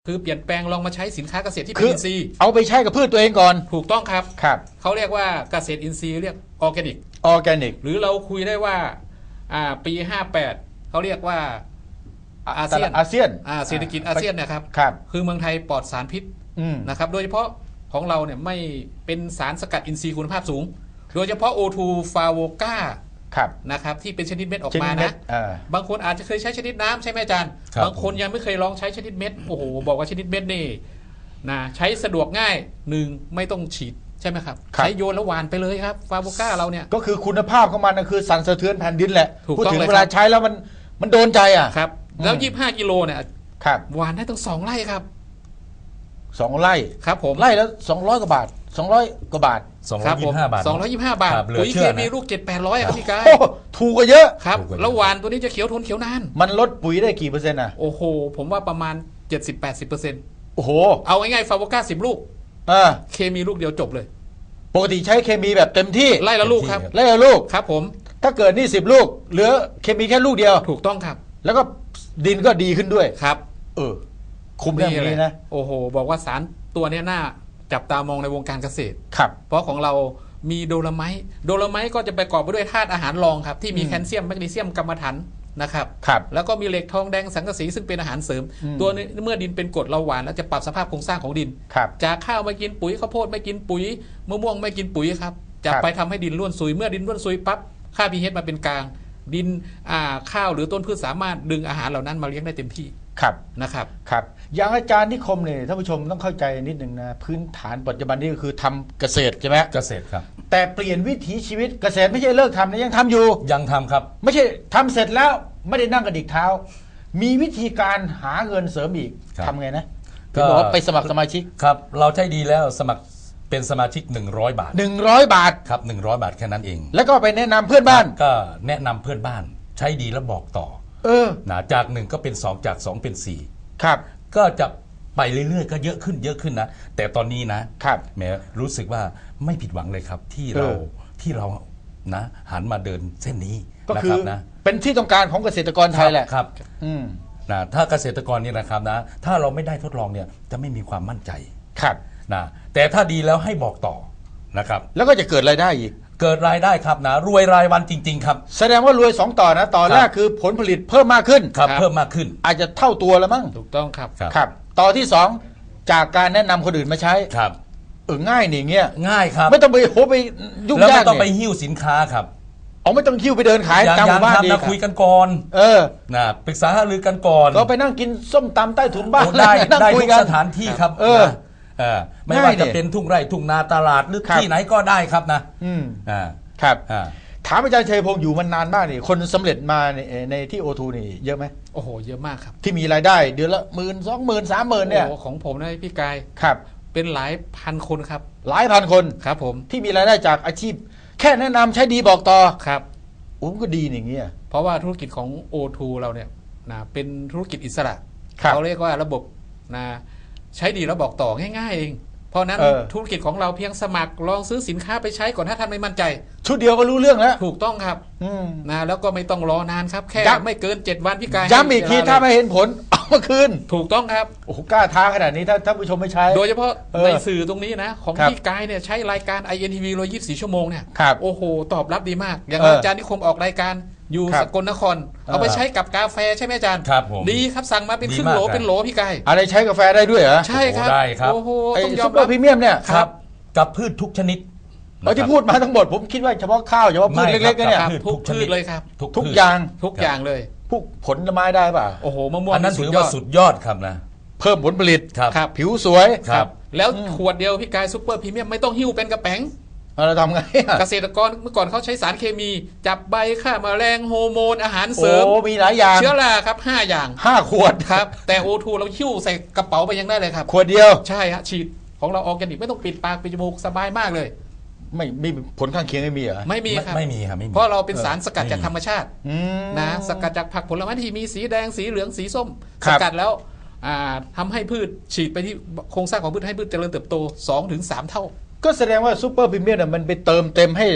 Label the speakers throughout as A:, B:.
A: คือเปลี่ยนแปลงลองมาใช้สินค้าเกษตรที่เป็นอินทรีย์
B: เอาไปใช้กับพืชตัวเองก่อน
A: ถูกต้องครับ
B: ครับ
A: เขาเรียกว่าเกษตรอินทรีย์เรียกออร์แกนิกหรือเราคุยได้ว่าปี58เขาเรียกว่าอาเซียนเศรษฐกิจอาเซียนนะครับคือเมืองไทยปลอดสารพิษนะครับโดยเฉพาะของเราเนี่ยไม่เป็นสารสกัดอินทรีย์คุณภาพสูงโดยเฉพาะ O2 ฟาโวกานะครับที่เป็นชนิดเม็ดออกมานะบางคนอาจจะเคยใช้ชนิดน้ำใช่ไหมอาจารย์บางคนยังไม่เคยลองใช้ชนิดเม็ดโอ้โหบอกว่าชนิดเม็ดนี่นะใช้สะดวกง่ายไม่ต้องฉีดใช่ไหมครับใช้โยนแล้วหวานไปเลยครับฟาโวก้าเราเนี่ย
B: ก็คือคุณภาพของมันคือสั่นสะเทือนแผ่นดินแหละพูดถึงเวลาใช้แล้วมันโดนใจ
A: ครับแล้ว25 กิโลเนี่ยหวานได้ตั้ง2 ไร่ครับ
B: 2 ไร่
A: ครับผม
B: ไร่แล้ว200 กว่าบาท200 กว่าบาท
A: 225 บาท225 บาทปุ๋ยเคมีลูก7-800ครับพี่กาย
B: ถูกกว่าเยอะ
A: ครับแล้วหวานตัวนี้จะเขียวทนเขียวนาน
B: มันลดปุ๋ยได้กี่เปอร์เซ็นต์
A: โอ้โหผมว่าประมาณ 70-80%
B: โอ้โห
A: เอาง่ายๆฟาโวก้า10 ลูกเคมีลูกเดียวจบเลย
B: ปกติใช้เคมีแบบเต็มที่
A: ไล่ละลูกครับ
B: ไล่ละลูก
A: ครับผม
B: ถ้าเกิดนี่10 ลูกเหลือเคมีแค่ลูกเดียว
A: ถูกต้องครับ
B: แล้วก็ดินก็ดีขึ้นด้วย
A: ครับ
B: คุ้มเรื่องนี้นะ
A: โอ้โหบอกว่าสารตัวนี้น่าจับตามองในวงการเกษตร
B: ครับ
A: เพราะของเรามีโดโลไมต์ก็จะประกอบไปด้วยธาตุอาหารรองครับที่มีแคลเซียมแมกนีเซียมกรรมะถันนะครับแล้วก็มีเหล็กทองแดงสังกะสีซึ่งเป็นอาหารเสริมตัวนี้เมื่อดินเป็นกรดเราหวานแล้วจะปรับสภาพโครงสร้างของดินจากข้าวไม่กินปุ๋ยข้าวโพดไม่กินปุ๋ยมะม่วงไม่กินปุ๋ยครับจะไปทำให้ดินร่วนซุยเมื่อดินร่วนซุยปั๊บค่า pH มาเป็นกลางดินข้าวหรือต้นพืชสามารถดึงอาหารเหล่านั้นมาเลี้ยงได้เต็มที่นะครับ
B: อย่างอาจารย์นิคมเนี่ยท่านผู้ชมต้องเข้าใจนิดนึงนะพื้นฐานปัจจุบันนี้ก็คือทำเกษตรใช่ไหม
C: เกษตรครับ
B: แต่เปลี่ยนวิถีชีวิตเกษตรไม่ใช่เลิกทำนะยังทำอยู่
C: ยังทำครับ
B: ไม่ใช่ทำเสร็จแล้วไม่ได้นั่งกระดิกเท้ามีวิธีการหาเงินเสริมอีกทำไงนะก็บอกว่าไปสมัครสมาชิก
C: ครับเราใช้ดีแล้วสมัครเป็นสมาชิก100 บาท
B: 100 บาท
C: ครับ100 บาทแค่นั้นเอง
B: แล้วก็ไปแนะนำเพื่อนบ้าน
C: ก็แนะนำเพื่อนบ้านใช้ดีแล้วบอกต่อนะจาก1ก็เป็น2จาก2เป็น4
B: ครับ
C: ก็จะไปเรื่อยๆก็เยอะขึ้นนะแต่ตอนนี้นะครับแม้รู้สึกว่าไม่ผิดหวังเลยครับที่เรานะหันมาเดินเส้นนี้
B: ก็คือนะเป็นที่ต้องการของเกษตรกรไทยแหละ
C: ครับนะถ้าเกษตรกรนี่นะครับนะถ้าเราไม่ได้ทดลองเนี่ยจะไม่มีความมั่นใจ
B: ครับ
C: นะแต่ถ้าดีแล้วให้บอกต่อนะครับ
B: แล้วก็จะเกิดรายได้อีก
C: เกิดรายได้ครับนะรวยรายวันจริงๆครับ
B: แสดงว่ารวย2 ต่อนะต่อแรกคือผลผลิตเพิ่มมากขึ้น
C: ครับเพิ่มมากขึ้น
B: อาจจะเท่าตัวแล้วมั้ง
A: ถูกต้องครับ
B: ครับต่อที่2จากการแนะนำคนอื่นมาใช้
C: ครับ
B: ง่ายนี่เงี้ย
C: ง่ายครับ
B: ไม่ต้องไปไปยุ่งยาก
C: แล้วไม่ต้องไปหิ้วสินค้าครับ
B: ไม่ต้องหิ้วไปเดินขาย
C: ตามหมู่บ้านนะคุยกันก่อนนะปรึกษาหารือกันก่อน
B: ก็ไปนั่งกินส้มตำใต้ถุนบ้าน
C: ได้ทุกสถานที่ครับไม่ว่าจะเป็นทุ่งไร่ทุ่งนาตลาดหรือที่ไหนก็ได้ครับ
B: นะครับถามอาจารย์ชัยพงศ์อยู่มันนานมากนี่คนสำเร็จมาในที่ O2 นี่เยอะไหม
A: โอ้โหเยอะมากครับ
B: ที่มีรายได้เดือนละ10,000 20,000 30,000เนี่ย
A: ของผมนะพี่กาย
B: ครับ
A: เป็นหลายพันคนครับ
B: หลายพันคน
A: ครับผม
B: ที่มีรายได้จากอาชีพแค่แนะนำใช้ดีบอกต่อ
A: ครับ
B: ก็ดีอย่างเงี้ย
A: เพราะว่าธุรกิจของ O2 เราเนี่ยนะเป็นธุรกิจอิสระเขาเรียกว่าระบบนะใช้ดีแล้วบอกต่อง่ายๆเองเพราะนั้นธุรกิจของเราเพียงสมัครลองซื้อสินค้าไปใช้ก่อนถ้าท่านไม่มั่นใจ
B: ชุดเดียวก็รู้เรื่องแล้ว
A: ถูกต้องครับนะแล้วก็ไม่ต้องรอนานครับแค่ไม่เกิน7 วันพี่กาย
B: ย้ำอีกทีถ้าไม่เห็นผลเอามาคืน
A: ถูกต้องครับ
B: โอ้กล้าท้าขนาดนี้ถ้าท่านผู้ชมไม่ใช้
A: โดยเฉพาะในสื่อตรงนี้นะของพี่กายเนี่ยใช้รายการ INTV 124 ชั่วโมงเนี่ยโอ้โหตอบรับดีมากอย่างอาจารย์นิคมออกรายการอยู่สกลนครเอาไปใช้กับกาแฟใช่ไหมอาจารย์
C: ครับผม
A: ดีครับสั่งมาเป็นครึ่งโหลเป็นโหลพี่กาย
B: อะไรใช้กาแฟได้ด้วยเหรอ
A: ใช่ครับ
C: ได้ครับ
A: โอ้โห
B: ต้องยอมรับพรีเมียมเนี่ย
C: ครับกับพืชทุกชนิด
B: ที่พูดมาทั้งหมดผมคิดว่าเฉพาะข้าวเฉพาะพืชเล็กๆเนี่ย
A: ทุกพืชเลยครับ
B: ทุกอย่าง
A: เลย
B: พวกผลไม้ได้ป่ะ
A: โอ้โหมะม่วง
C: อันนั้นถือว่าสุดยอดครับนะ
B: เพิ่มผลผลิต
A: ครับ
B: ผิวสวย
A: ครับแล้วขวดเดียวพี่กายซุปเปอร์พรีเมียมไม่ต้องหิ้วเป็นกระแป๋ง
B: เราทำไง
A: เกษตรกรเมื่อก่อนเขาใช้สารเคมีจับใบฆ่าแมลงโฮอร์โมนอาหารเสริม
B: มีหลายอย่าง
A: เชื้อราครับ5 อย่าง
B: 5 ขวด
A: ครับแต่ O2 เราหิ้วใส่กระเป๋าไปยังได้เลยครับ
B: ขวดเดียว
A: ใช่ฮะฉีดของเราออร์แกนิกไม่ต้องปิดปากปิดจมูกสบายมากเลย
B: ไม่มีผลข้างเคียงไม่มีเหรอ
A: ไม่มีครับ
C: ไม่มีครับ
A: เพราะเราเป็นสารสกัดจากธรรมชาตินะสกัดจากผักผลไม้ที่มีสีแดงสีเหลืองสีส้มสกัดแล้วทำให้พืชฉีดไปที่โครงสร้างของพืชให้พืชเจริญเติบโต 2-3 เท่า
B: ก็แสดงว่าซูเปอร์พรีเมียมมันไปเติมเต็ม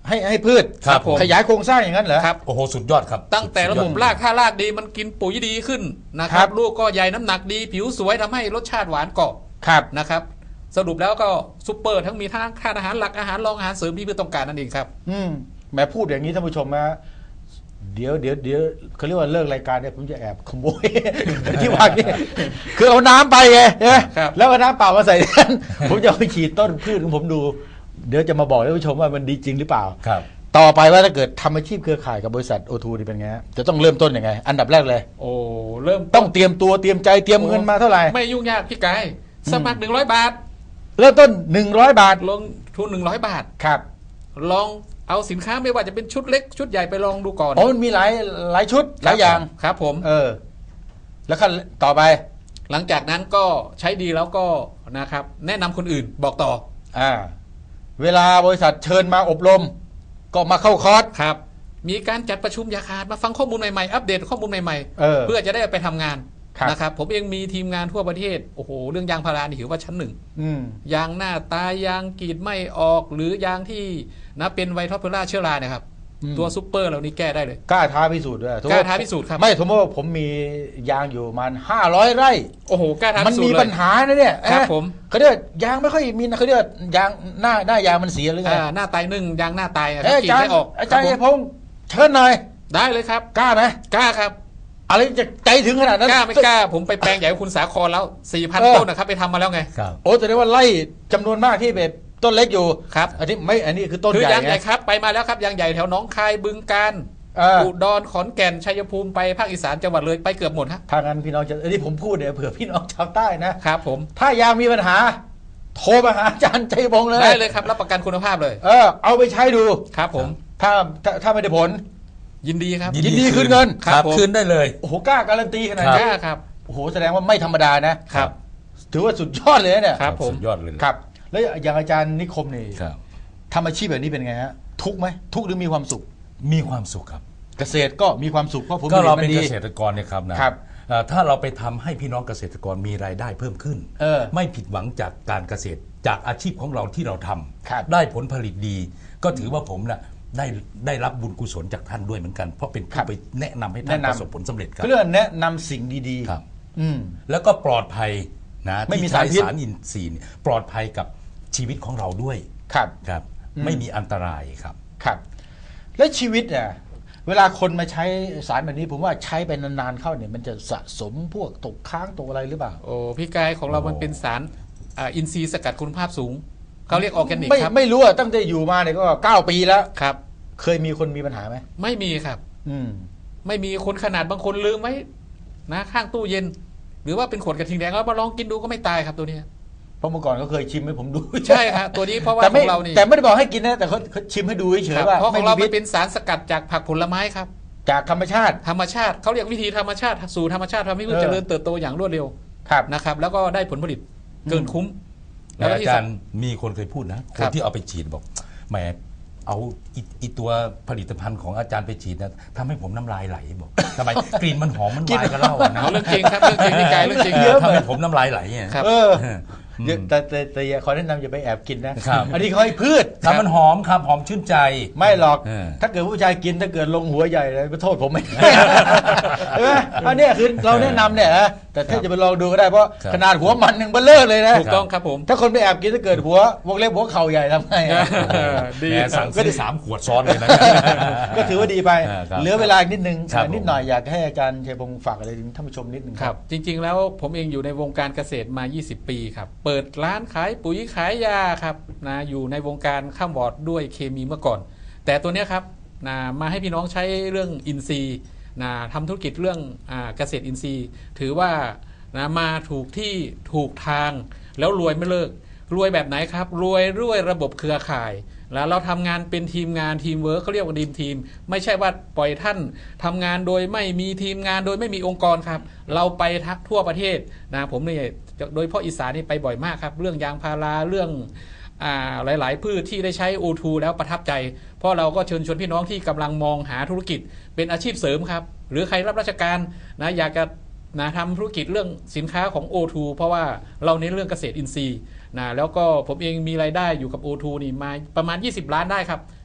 B: ให้พืช
C: ครับผม
B: ขยายโครงสร้างอย่างนั้นเหรอ
A: ครับ
C: โอ้โหสุดยอดครับ
A: ตั้งแต่ระบบรากถ้ารากดีมันกินปุ๋ยดีขึ้นนะค
B: ครั
A: รับบ ลูกก็ใหญ่น้ำหนักดีผิวสวยทำให้รสชาติหวานกรอบ
B: ครับ
A: นะครับสรุปแล้วก็ซุปเปอร์ทั้งมีทั้งทานอาหารหลักอาหารรองอาหารเสริมที่เพื่อต้องการนั่นเองครับ
B: แหม้พูดอย่างนี้ท่านผู้ชมนะเดี๋ยวเขาเรียกว่าเลิกรายการเนี่ยผมจะแอบขโมย ที่วางนี่คือเอาน้ำไปไงใช่ไหม
A: ครับ
B: แล้วเอาน้ำเปล่ามาใส่นั้น ผมจะเอาไปฉีดต้นพืชของผมดู เดี๋ยวจะมาบอกท่านผู้ชมว่ามันดีจริงหรือเปล่า
C: ครับ
B: ต่อไปว่าถ้าเกิดทำอาชีพเครือข่ายกับบริษัทโอทูนี่เป็นไงฮะจะต้องเริ่มต้นยังไง อันดับแรกเลย
A: โอ้เริ่ม
B: ต้องเตรียมตัวเตรียมใจเตรียมเงินมาเท่าไหร่
A: ไม่ยุ่งยากพี่กายสมัคร100 บาท
B: เริ่มต้น100 บาท
A: ลงทุน100 บาท
B: ครับ
A: ลองเอาสินค้าไม่ว่าจะเป็นชุดเล็กชุดใหญ่ไปลองดูก่อน
B: โอ้มันมีหลายชุดหลายอย่าง
A: ครับผม
B: แล้วขั้นต่อไป
A: หลังจากนั้นก็ใช้ดีแล้วก็นะครับแนะนำคนอื่นบอกต่อ
B: เวลาบริษัทเชิญมาอบรม ก็มาเข้าคอร์ส
A: ครับมีการจัดประชุมอย่าขาดมาฟังข้อมูลใหม่ๆอัปเดตข้อมูลใหม่ เพื่อจะได้ไปทำงาน
B: ครับ
A: นะครับผมเองมีทีมงานทั่วประเทศโอ้โหเรื่องยางพารานี่ถือว่าชั้นหนึ่ง ยางหน้าตายยางกรีดไม่ออกหรือยางที่นะเป็นไวท์ท็อปเพอร่าเชื้อราเนี่ยครับตัวซุปเปอร์เหล่านี้แก้ได้เลย
B: กล้าท้าพิสูจน์ด้วย
A: กล้าท้าพิสูจน์ครับ
B: ไม่สมมติว่าผมมียางอยู่ประมัน500 ไร่
A: โอ้โหกล้าท้า
B: มัน
A: พิสูจ
B: มี
A: น์เลย
B: ปัญหานะเนี่ย
A: ครับผม
B: เขาเรียกยางไม่ค่อยมีนะเขาเรียกยางหน้ายางมันเสียหรือไง
A: หน้าตายนึ่งยางหน้าตายอะค
B: เอ้
A: รับ
B: ย
A: กรีด
B: อาจาร
A: ไม่
B: ย์
A: ออก
B: อาจารย์
A: ค
B: เอ
A: บ
B: พงษ์เชิญหน่อย
A: ได้เลยครับ
B: กล้าไหม
A: กล้าครับ
B: อะไรจะใจถึงขนาดนั้น
A: กล้าไม่กล้าผมไปแปลงใหญ่กับคุณสาครแล้ว 4,000 ต้นนะครับไปทำมาแล้วไง
C: ครับ
B: โอ้แสดงว่าไล่จำนวนมากที่แบบต้นเล็กอยู่
A: ครับ
B: อันนี้คือต้น
A: คือ
B: ใหญ่
A: ยางใหญ่
B: ไง
A: ครับไปมาแล้วครับยางใหญ่แถวหนองคายบึงกาฬ อุดรขอนแก่นชัยภูมิไปภาคอีสานจังหวัดเลยไปเกือบหมดฮะ
B: ถ้างั้นพี่น้องจะอันนี้ผมพูดเนี่ยเผื่อพี่น้องชาวใต้นะครับ
A: ผม
B: ถ้ายางมีปัญหา โทรมาหาอาจารย์ใจพงษ์เลย
A: ได้เลยครับรับประกันคุณภาพเลย
B: เอาไปใช้ดู
A: ครับผม
B: ถ้าไม่ได้ผล
A: ยินดีครับ
B: ยินดีคืนเงิน
C: ครับ
A: ผม
C: คืนได้เลย
B: โอ้โหกล้าการันตีขนาด
A: ก
B: นี้
A: ล้าครับ
B: โอ้โหแสดงว่าไม่ธรรมดานะครับ ถือว่าสุดยอดเลยนะเนี่ย
A: ครับผม
C: สุดยอดเลย
B: ครับ แล้วอย่างอาจารย์นิคมนี่
C: ครับ
B: ทำอาชีพแบบนี้เป็นไงฮะทุกข์ไหมทุกข์หรือมีความสุข
C: มีความสุขครับ
B: เกษตรก็มีความสุขเพราะผม
C: ก็เราเป็น
B: ดี
C: เกษตรกรเนี่ยครับนะครับ ถ้าเราไปทำให้พี่น้องเกษตรกรมีรายได้เพิ่มขึ้น ไม่ผิดหวังจากการเกษตรจากอาชีพของเราที่เราทำ
B: ครับ
C: ได้ผลผลิตดี ก็ถือว่าผมน่ะได้รับบุญกุศลจากท่านด้วยเหมือนกัน เพราะเป็นผู้ไปแนะนำให้ท่านประสบผลสำเร็จครับ
B: เรื่องแนะนำสิ่งดีๆ
C: ครับ
B: อืม
C: แล้วก็ปลอดภัยนะ
B: ไม่มี
C: ที่ใช้
B: สารพิษ
C: สารอินทรีย์เนี่ยปลอดภัยกับชีวิตของเราด้วย
B: ครับ
C: ครับ ไม่มีอันตรายครับ
B: ครับ แล้วชีวิตเนี่ยเวลาคนมาใช้สารแบบนี้ผมว่าใช้ไปนานๆเข้าเนี่ยมันจะสะสมพวกตกค้างตกอะไรหรือเปล่า
A: โอ้พี่กายของเรามันเป็นสารอินทรีย์สกัดคุณภาพสูงเขาเรียกออร์แกนิกครับ
B: ไม่รู้อะตั้งแต่อยู่มาเนี่ยก็9 ปีแล้ว
A: ครับ
B: เคยมีคนมีปัญหาไหม
A: ไม่มีครับ
B: อืม
A: ไม่มีคนขนาดบางคนลืมไว้นะข้างตู้เย็น หรือว่าเป็นขวดกระทิงแดงแล้วมาลองกินดูก็ไม่ตายครับตัวเนี้ย
B: เพราะเมื่อก่อนเขาเคยชิมให้ผมดู
A: ใช่ครับตัวนี้เพราะว่า
B: แต่
A: ข
B: ไม่
A: องเรานี่
B: แต่ไม่ได้บอกให้กินนะแต่เขาชิมให้ดูเฉ
A: ครั
B: ย
A: บ
B: ๆว่า
A: เพราะข
B: ไม่
A: อง
B: มี
A: เรา
B: พิ
A: มั
B: ษ
A: นเป็นสารสกัดจากผักผลไม้ครับ
B: จากธรรมชาติ
A: ธรรมชาติเขาเรียกวิธีธรรมชาติสู่ธรรมชาติทำให้พืชเจริญเติบโตอย่างรวดเร็ว
B: ครับ
A: นะครับแล้วก็ได้ผลผลิตเกินคุ้ม
C: แล้วอา
A: ที่
C: จารย์มีคนเคยพูดนะค
A: ครั
C: น
A: บ
C: ที่เอาไปฉีดบอกแหมเอาอีตัวผลิตภัณฑ์ของอาจารย์ไปฉีดนะทำให้ผมน้ำลายไหลบอกทำไม กลิ่นมันหอมมันวายกันเล่าอะนะ
A: เอาเรื่องจริงครับเรื่องจริงพี่กายเรื่องจริง
C: ทำให้ผมน้ำลายไหลเนี่ย
A: ครับ
B: แต่ขอแนะนำอย่าไปแอบกินนะครับ อันนี้เขาให้พืช
C: ถ้ามันหอมครับหอมชื่นใจ
B: ไม่หรอก
C: เออ
B: ถ้าเกิดผู้ชายกินถ้าเกิดลงหัวใหญ่เลยไปโทษผมไม่ได้ ใช่ไหมอันเนี้ยคือเราแนะนำเนี่ยนะแต่ถ้าจะไปลองดูก็ได้เพราะ
C: ครับ
B: ขนาดหัวมันยังเบลเลอร์เลยนะ
A: ถูกต้องครับผม
B: ถ้าคนไปแอบกินถ้าเกิดหัววงเล็บหัวเข่าใหญ่ทำไงอะ
A: ดี
C: แหมสั่งซื้อ3 ขวดซ้อนเลยนะ
B: ก็ถือว่าดีไป
C: ครับ
B: เหลือเวลาอีกนิดนึง
C: ครับ
B: นิดหน่อยอยากให้อาจารย์ชัยพงศ์ฝากอะไรถึงท่านผู้ชมนิดนึง
A: ครับจริงๆแล้วผมเองอยู่ในวงการเกษตรมา 20 ปีครับเปิดร้านขายปุ๋ยขายยาครับนะอยู่ในวงการข้ามวอร์ดด้วยเคมีเมื่อก่อน แต่ตัวเนี้ยครับนะมาให้พี่น้องใช้เรื่องอินทรีย์นะทำธุรกิจเรื่องเกษตรอินทรีย์ ถือว่านะมาถูกที่ถูกทางแล้วรวยไม่เลิกรวยแบบไหนครับรวยด้วยระบบเครือข่าย แล้วเราทำงานเป็นทีมงานทีมเวิร์คเขาเรียกว่าทีมไม่ใช่ว่าปล่อยท่านทำงานโดยไม่มีทีมงานโดยไม่มีองค์กรครับเราไปทั่วประเทศนะผมเนี่ยโดยเฉพาะอีสานนี่ไปบ่อยมากครับเรื่องยางพาราเรื่องหลายๆพืชที่ได้ใช้ O2 แล้วประทับใจเพราะเราก็เชิญชวนพี่น้องที่กำลังมองหาธุรกิจเป็นอาชีพเสริมครับหรือใครรับราชการนะอยากจะนะทำธุรกิจเรื่องสินค้าของ O2 เพราะว่าเราเน้นเรื่องเกษตรอินทรีย์นะแล้วก็ผมเองมีรายได้อยู่กับ O2 นี่มาประมาณ20 ล้านได้ครับ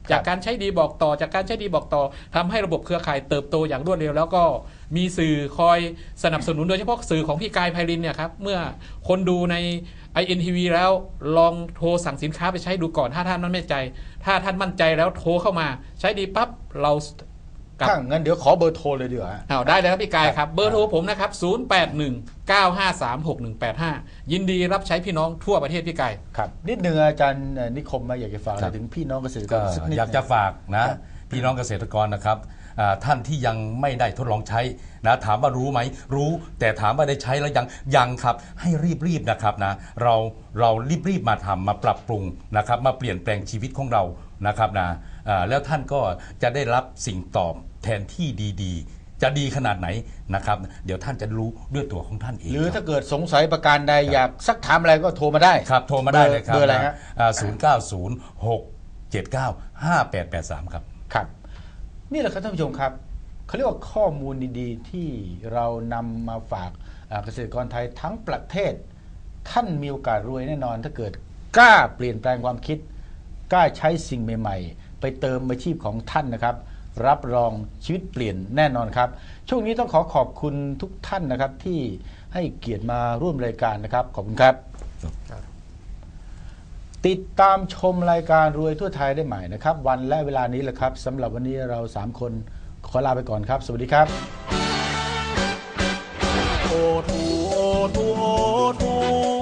A: จากการใช้ดีบอกต่อจากการใช้ดีบอกต่อทำให้ระบบเครือข่ายเติบโตอย่างรวดเร็วแล้วก็มีสื่อคอยสนับสนุนโดยเฉพาะสื่อของพี่กายไพรินเนี่ยครับเมื่อคนดูใน INTV แล้วลองโทรสั่งสินค้าไปใช้ดูก่อนถ้าท่านมั่นใจถ้าท่านมั่นใจแล้วโทรเข้ามาใช้ดีปั๊บเรา
B: ถ้างั้นเดี๋ยวขอเบอร์โทรเลยดีกว่า
A: ได้เลยครับพี่กายครับเบอร์โทรผมนะครับ0819536185ยินดีรับใช้พี่น้องทั่วประเทศพี่กาย
B: ครับนิดนึงอาจารย์นิคมมาอยากจะฝากอะไรถึงพี่น้องเกษตรกร
C: อยากจะฝากนะพี่น้องเกษตรกรนะครับท่านที่ยังไม่ได้ทดลองใช้นะถามว่ารู้ไหมรู้แต่ถามว่าได้ใช้แล้วยังครับให้รีบนะครับนะเรารีบมาทำมาปรับปรุงนะครับมาเปลี่ยนแปลงชีวิตของเรานะครับนะแล้วท่านก็จะได้รับสิ่งตอบแทนที่ดีๆจะดีขนาดไหนนะครับเดี๋ยวท่านจะรู้ด้วยตัวของท่านเอง
B: หรือถ้าเกิดสงสัยประการใดอยากซักถามอะไรก็โทรมาได้
C: ครับโทรมาได้เลยครับ
B: เบอร์อะไรฮะ
C: 0906795883ครับ
B: ครับนี่แหละครับท่านผู้ชมครับเขาเรียกว่าข้อมูลดีๆที่เรานำมาฝากเกษตรกรไทยทั้งประเทศท่านมีโอกาสรวยแน่นอนถ้าเกิดกล้าเปลี่ยนแปลงความคิดกล้าใช้สิ่งใหม่ๆไปเติมอาชีพของท่านนะครับรับรองชีวิตเปลี่ยนแน่นอนครับช่วงนี้ต้องขอบคุณทุกท่านนะครับที่ให้เกียรติมาร่วมรายการนะครับขอบคุณครับติดตามชมรายการรวยทั่วไทยได้ใหม่นะครับวันและเวลานี้แหละครับสำหรับวันนี้เรา3คนขอลาไปก่อนครับสวัสดีครับ
D: โอทูโอทูโอทู